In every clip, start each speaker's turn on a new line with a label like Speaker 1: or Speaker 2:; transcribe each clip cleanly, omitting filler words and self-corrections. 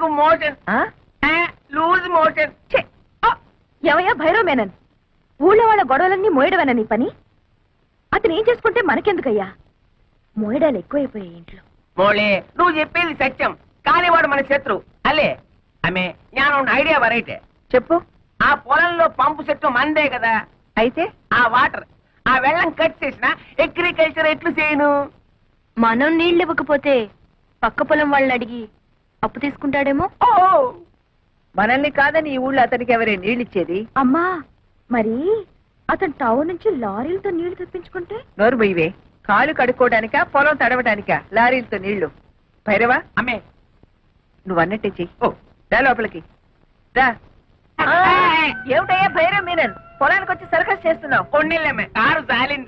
Speaker 1: నాకు motion loose motion.
Speaker 2: ఎవయ్యా భైరవ్ మేనన్, ఊళ్ళో వాళ్ళ గొడవలన్నీ మోయడమేనా నీ పని? అతను ఏం చేసుకుంటే మనకెందుకయ్యా? మోయడాలు ఎక్కువైపోయాయి ఇంట్లో.
Speaker 1: మోళే, నువ్వు చెప్పేది సత్యం, కానీ వాడు మన శత్రు అలే. ఆమె జ్ఞానం ఐడియా వరైతే
Speaker 2: చెప్పు.
Speaker 1: ఆ పొలంలో పంపు చెట్టు మందే కదా,
Speaker 2: అయితే
Speaker 1: ఆ వాటర్ ఆ వెళ్ళం కట్ చేసిన అగ్రికల్చర్ ఎట్లు చేయను?
Speaker 2: మనం నీళ్ళు ఇవ్వకపోతే పక్క పొలం వాళ్ళని అడిగి అప్పు తీసుకుంటాడేమో.
Speaker 1: ఓ
Speaker 3: మనల్ని కాదని ఈ ఊళ్ళో అతనికి ఎవరే నీళ్ళిచ్చేది?
Speaker 2: అమ్మా, మరి అతను టౌన్ నుంచి లారీలతో నీళ్లు తెప్పించుకుంటే?
Speaker 3: నోరు బొయ్యవే. కాలు కడుక్కోవడానికా పొలం తడవడానికా లారీలతో నీళ్లు? భైరవా,
Speaker 1: అమ్మే
Speaker 3: నువ్వు అన్నట్టే చెయ్యి.
Speaker 1: ఓ
Speaker 3: రా లోపలికి రా. ఏమిటయ్యా భైరవ్ మీనన్, పొలానికి వచ్చి సర్కస్ చేస్తున్నావు?
Speaker 1: కొన్నిళ్ళమ్మే, కారు జాలింది.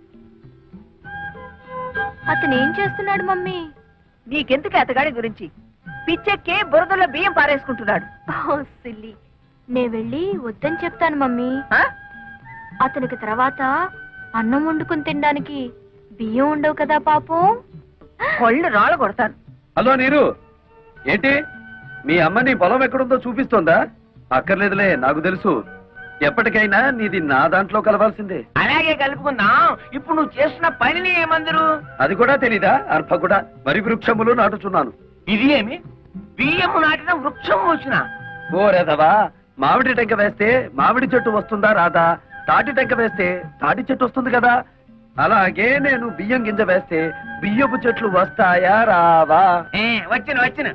Speaker 2: అతను ఏం చేస్తున్నాడు మమ్మీ?
Speaker 3: నీకెందుకు అతగాడి గురించి? పిచ్చెక్కి బురదలో బియ్యం పారేసుకుంటున్నాడు.
Speaker 2: సిల్లి, నే వెళ్ళి వద్దని చెప్తాను మమ్మీ.
Speaker 3: ఆ?
Speaker 2: అతనికి తర్వాత అన్నం వండుకుని తినడానికి బియ్యం ఉండవు కదా పాపం.
Speaker 3: కొళ్ళు రాళ్ళ కొడతాను.
Speaker 4: హలో నీరు, ఏంటి మీ అమ్మ నీ పొలం ఎక్కడుందో చూపిస్తోందా? అక్కర్లేదులే, నాకు తెలుసు. ఎప్పటికైనా నీది నా దాంట్లో కలవాల్సిందే.
Speaker 1: అలాగే కలుపుకుందాం. ఇప్పుడు నువ్వు చేస్తున్న పనిని ఏమందరు?
Speaker 4: అది కూడా తెలీదా? అర్భ కూడా వరి వృక్షములు నాటుచున్నాను.
Speaker 1: ఇది ఏమి బియ్యము నాటిన వృక్షం వచ్చిన?
Speaker 4: ఓరేదవా, మామిడి టెంక వేస్తే మామిడి చెట్టు వస్తుందా రాదా? తాటి టెంక వేస్తే తాటి చెట్టు వస్తుంది కదా. అలాగే నేను బియ్యం గింజ వేస్తే బియ్యపు చెట్లు వస్తాయా రావా?
Speaker 1: వచ్చిన వచ్చిన.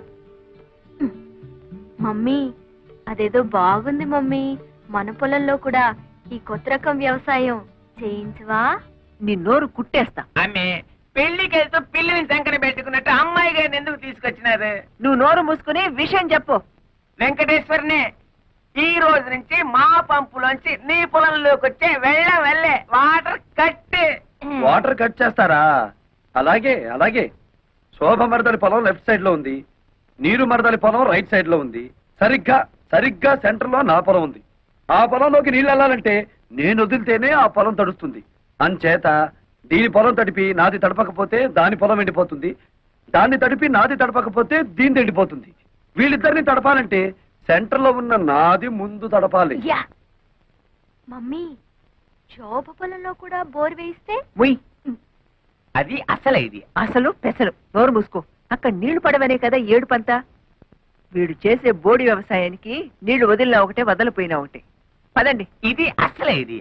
Speaker 2: మమ్మీ, అదేదో బాగుంది మమ్మీ. మన పొలంలో కూడా ఈ కొత్త రకం వ్యవసాయం చేయించవా?
Speaker 3: నీ నోరు కుట్టేస్తా.
Speaker 1: ఆమె పెళ్లికి వెళ్తూ పిల్లిని సంకన పెట్టుకున్నట్టు అమ్మాయి గారిని ఎందుకు తీసుకొచ్చినారు?
Speaker 3: నువ్వు నోరు మూసుకుని విషయం చెప్పు.
Speaker 1: వెంకటేశ్వరనే, ఈ రోజు నుంచి మా పంపులోంచి నీ పొలంలోకి వచ్చే వెళ్ళే వాటర్ కట్.
Speaker 4: వాటర్ కట్ చేస్తారా? అలాగే అలాగే. శోభ మరదలి పొలం లెఫ్ట్ సైడ్ లో ఉంది, నీరు మరదలి పొలం రైట్ సైడ్ లో ఉంది. సరిగ్గా సెంటర్ లో నా పొలం ఉంది. ఆ పొలంలోకి నీళ్ళు వెళ్ళాలంటే నేను వదిలితేనే ఆ పొలం తడుస్తుంది. అంచేత దీని పొలం తడిపి నాది తడపకపోతే దాని పొలం ఎండిపోతుంది, దాన్ని తడిపి నాది తడపకపోతే దీని ఎండిపోతుంది. వీళ్ళిద్దరిని తడపాలంటే సెంటర్ లో ఉన్న నాది ముందు తడపాలి.
Speaker 2: మమ్మీ, శోభ పొలంలో కూడా బోర్ వేయిస్తే?
Speaker 3: ఉయ్,
Speaker 1: అది అసలు ఇది
Speaker 3: అసలు పెసలు. నోరు మూసుకో. అక్కడ నీళ్లు పడవనే కదా ఏడుపంతా. వీడు చేసే బోడి వ్యవసాయానికి నీళ్లు వదిలినా ఒకటే, వదలిపోయినా ఒకటే. పదండి.
Speaker 1: ఇది అసలే ఇది.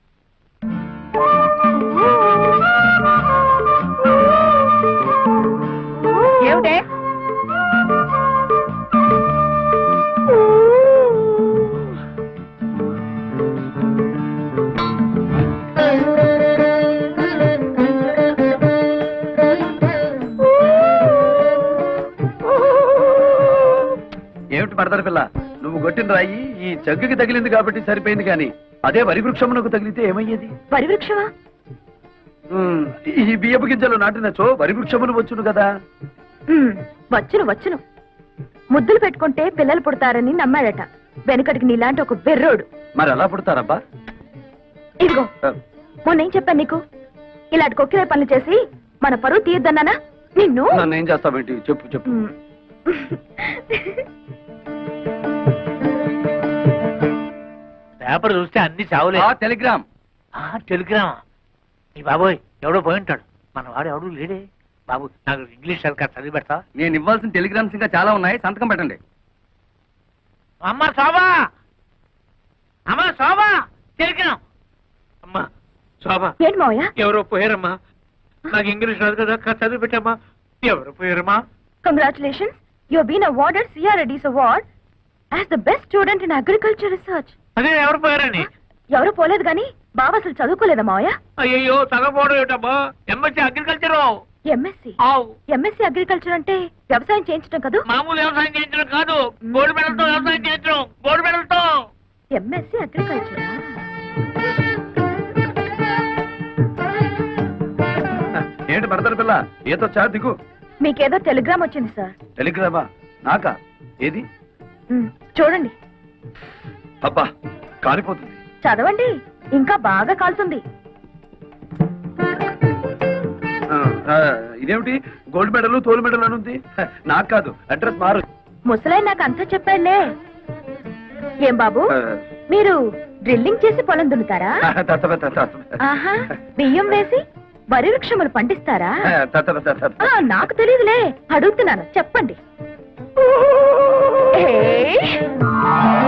Speaker 3: ఏమిటే?
Speaker 4: ఏమిటి మరదలి పిల్ల, నువ్వు కొట్టిన రాయి ఈ జగ్గుకి తగిలింది కాబట్టి సరిపోయింది, కానీ అదే వరి వృక్షమునకు తగిలితే ఏమయ్యేది?
Speaker 2: వరి వృక్షమా?
Speaker 4: ఈ బియ్యపు గింజలు నాటినచో వరి వృక్షములు వచ్చును కదా.
Speaker 2: వచ్చును వచ్చును. ముద్దులు పెట్టుకుంటే పిల్లలు పుడతారని నమ్మాడట వెనుకటికి నీలాంటి ఒక బెర్రోడు.
Speaker 4: మరి ఎలా పుడతారబ్బా?
Speaker 2: ఇదిగో, మొన్నేం చెప్పాను నీకు? ఇలాంటి కొక్కిరే పనులు చేసి మన పరువు తీయద్దన్నానా నిన్ను?
Speaker 4: నన్ను ఏం చేస్తావేంటి? చెప్పు చెప్పు.
Speaker 5: పేపర్ చూస్తే అన్ని చావులే.
Speaker 4: టెలిగ్రామ్.
Speaker 5: టెలిగ్రామా? ఈ బాబోయ్, ఎవడో పోయి ఉంటాడు. మన వాడు ఎవడు లేడే. బాబు, నాకు ఇంగ్లీష్ సరిగ్గా చదివి పెడతా?
Speaker 4: నేను ఇవ్వాల్సిన టెలిగ్రామ్స్ ఇంకా చాలా ఉన్నాయి, సంతకం పెట్టండి.
Speaker 5: అమ్మ శోభా, అమ్మ శోభా, టెలిగ్రామ్. అమ్మా శోభా,
Speaker 2: ఏంటి మావయ్య?
Speaker 5: ఎవరో పోయారమ్మా. నాకు ఇంగ్లీష్ రాదు కదా, చదివి పెట్టమ్మా. ఎవరు పోయారమ్మా?
Speaker 2: Congratulations, you have been awarded సిఆర్ఎడీస్ award as the best student in agriculture research.
Speaker 5: అదే ఎవరు పోయారని?
Speaker 2: ఎవరు పోలేదు గాని బాబు అసలు చదువుకోలేదా మావయ్య?
Speaker 5: అయ్యో, చదవపోవడం ఏమిటమ్మా? MSc agriculture.
Speaker 2: ఎంఎస్సీ అగ్రికల్చర్ అంటే వ్యవసాయం చేయించడం కదా?
Speaker 5: మామూలు వ్యవసాయం చేయించడం కాదు, గోల్డ్ మెడల్తో వ్యవసాయం చేయించడం. గోల్డ్ మెడల్తో.
Speaker 2: MSc agriculture.
Speaker 4: ఏంటి మరదలి పిల్ల, ఏదో చా దిగు.
Speaker 2: మీకేదో టెలిగ్రామ్ వచ్చింది సార్.
Speaker 4: టెలిగ్రామా? నాకా? ఏది?
Speaker 2: చూడండి.
Speaker 4: అబ్బా, కాలిపోతుంది.
Speaker 2: చదవండి, ఇంకా బాగా కాలుతుంది.
Speaker 4: ఇదేమిటి గోల్డ్ మెడల్ తోలు మెడల్ అని ఉంది? నాకు కాదు, అడ్రస్ మారు.
Speaker 2: ముసలాయన నాకు అంతా చెప్పాడులే. ఏం బాబు, మీరు డ్రిల్లింగ్ చేసి పొలం దున్నుతారా? ఆహా, బియ్యం వేసి వరి వృక్షములు పండిస్తారా? నాకు తెలియదులే, అడుగుతున్నాను, చెప్పండి. ఏయ్!